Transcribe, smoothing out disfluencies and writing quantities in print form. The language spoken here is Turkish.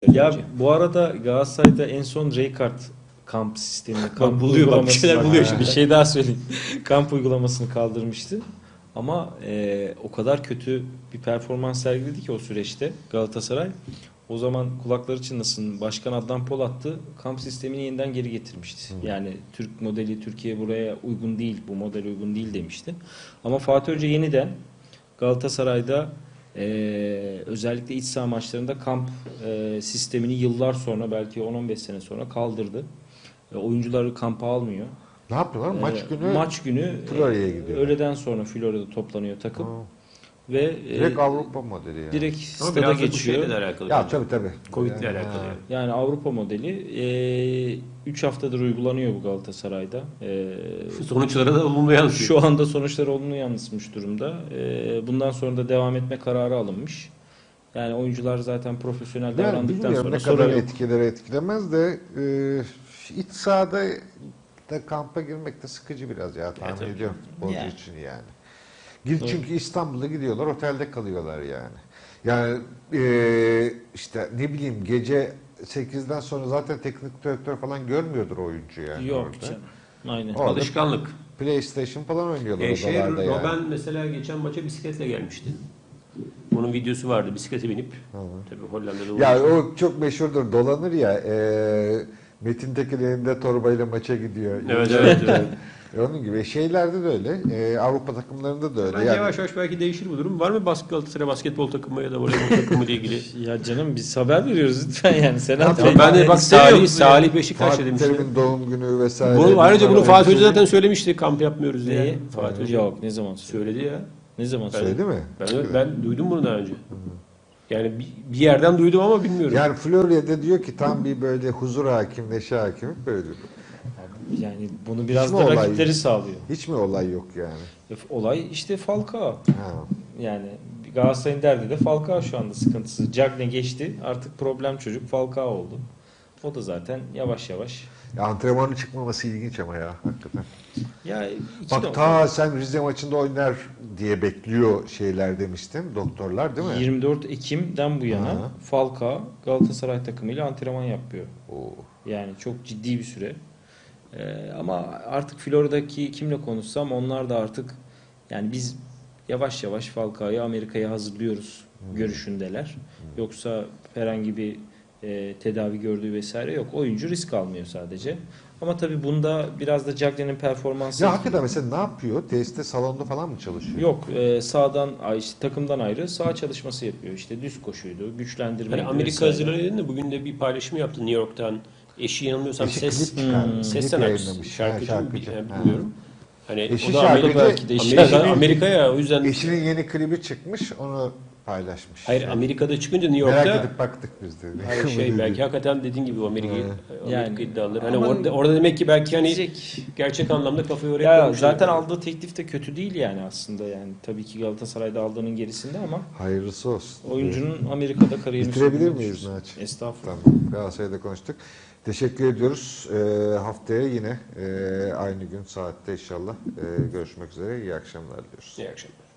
Ya bu arada Galatasaray'da en son Rijkaard kamp sistemini, kamp buluyor, bak bir uygulamasını, şeyler buluyor şimdi. bir şey daha söyleyeyim. Kamp uygulamasını kaldırmıştı. Ama o kadar kötü bir performans sergiledi ki o süreçte Galatasaray. O zaman kulakları çınlasın. Başkan Adnan Polat'tı. Kamp sistemini yeniden geri getirmişti. Yani Türk modeli, Türkiye buraya uygun değil, bu model uygun değil demişti. Ama Fatih Hoca yeniden Galatasaray'da özellikle iç saha maçlarında kamp sistemini yıllar sonra, belki 10-15 sene sonra kaldırdı. Oyuncuları kampa almıyor. Ne yapıyorlar? Maç günü Florya'ya gidiyor. öğleden sonra Florya'da toplanıyor takım. Ve Direkt Avrupa modeli yani. direkt Ama stada biraz da bu geçiyor. şeyle de alakalı. Ya bence. tabii. Covid'le Yani, alakalı yani. Yani Avrupa modeli 3 haftadır uygulanıyor bu Galatasaray'da. Sonuçlara da olumlu yansıyor. Şu anda sonuçlar olumlu yansımış durumda. Bundan sonra da devam etme kararı alınmış. Yani oyuncular zaten profesyonel Yani davrandıktan bilmiyorum sonra ne sorun kadar yok. etkiler etkilemez de iç sahada da kampa girmek de sıkıcı biraz ya tahmin tabii. ediyorum futbolcu Yani. için yani. Çünkü İstanbul'a gidiyorlar, otelde kalıyorlar yani. Yani işte ne bileyim gece 8'den sonra zaten teknik direktör falan görmüyordur oyuncu yani. Yok orada. canım. Aynen. Orada Alışkanlık. PlayStation falan oynuyorlar Şey, odalarda yani. Robben mesela geçen maça bisikletle gelmişti. Onun videosu vardı. Bisiklete binip. Tabii Hollanda'da Ya olduğu o çok meşhurdur, dolanır ya. Metin Tekin elinde torbayla maça gidiyor. Evet. Onun gibi şeylerde de öyle. Avrupa takımlarında da öyle. Bence Yani, yavaş yavaş belki değişir bu durum. Var mı Galatasaray basketbol takımı ya da voleybol takımı ile ilgili? Ya canım biz haber veriyoruz lütfen yani. Sen Tamam, ben de bak Salih Beşiktaş Fatih dedim. Terim'in doğum günü vesaire. Ayrıca bunu Bunlar Fatih Hoca hepsi- zaten söylemişti. Kamp yapmıyoruz diye. Neyi? Fatih Hoca Yok, ne zaman söyledi? söyledi ya. Ne zaman söyledi? Söyledi mi? Ben duydum bunu daha önce. Yani bir yerden duydum ama bilmiyorum. Yani Florya'da diyor ki tam bir böyle huzur hakim, neşe hakim böyle diyor. Yani bunu biraz Hiç mi da olay- rakipleri sağlıyor. Hiç mi olay yok yani? Olay işte Falcao. Ha. Yani Galatasaray'ın derdi de Falcao şu anda sıkıntısı. Cagne geçti. Artık problem çocuk Falcao oldu. O da zaten yavaş yavaş. Ya antrenmanın çıkmaması ilginç ama ya hakikaten. Ya iki Bak nokta. sen Rize maçında oynar diye bekliyor şeyler demiştin doktorlar değil mi? 24 Ekim'den bu yana Ha. Falcao Galatasaray takımıyla antrenman yapıyor. Oo. Yani çok ciddi bir süre. Ama artık Florya'daki kimle konuşsam onlar da artık yani biz yavaş yavaş Falcao'yu Amerika'ya hazırlıyoruz görüşündeler. Yoksa herhangi bir tedavi gördüğü vesaire yok. Oyuncu risk almıyor sadece. Ama tabii bunda biraz da Cagne'nin performansı Ya hakikaten mesela ne yapıyor? Tesiste salonda falan mı çalışıyor? yok. Sağdan işte takımdan ayrı sağ çalışması yapıyor. İşte düz koşuydu, güçlendirme. Hani Amerika hazırlanıyor da bugün de bir paylaşım yaptı New York'tan. Eşi yanılmıyorsam Eşi ses klip çıkardı. ses Klip sanatçısı, yayınlamış. şarkıcı, Ha, mı şarkıcı. yani Ha. bilmiyorum. Hani Eşi o da Amerika, şarkıcı, belki de Amerika'ya o yüzden Eşinin yeni klibi çıkmış, onu paylaşmış. hayır Amerika'da çıkınca New Merak York'ta edip baktık biz de. hayır şey belki hakikaten dediğin gibi Amerika Yani. iddiaları. Hani Ama orada demek ki belki hani Gidecek. gerçek anlamda kafayı oraya Ya koymuşlar. zaten aldığı teklif de kötü değil yani aslında yani. Tabii ki Galatasaray'da aldığının gerisinde ama Hayırlısı olsun. oyuncunun Amerika'da kariyerini Bitirebilir sürdürmek miyiz istiyor. Naci? Estağfurullah. Tamam. Galatasaray'da konuştuk. Teşekkür ediyoruz. Haftaya yine aynı gün saatte inşallah görüşmek üzere. İyi akşamlar diliyoruz. İyi akşamlar.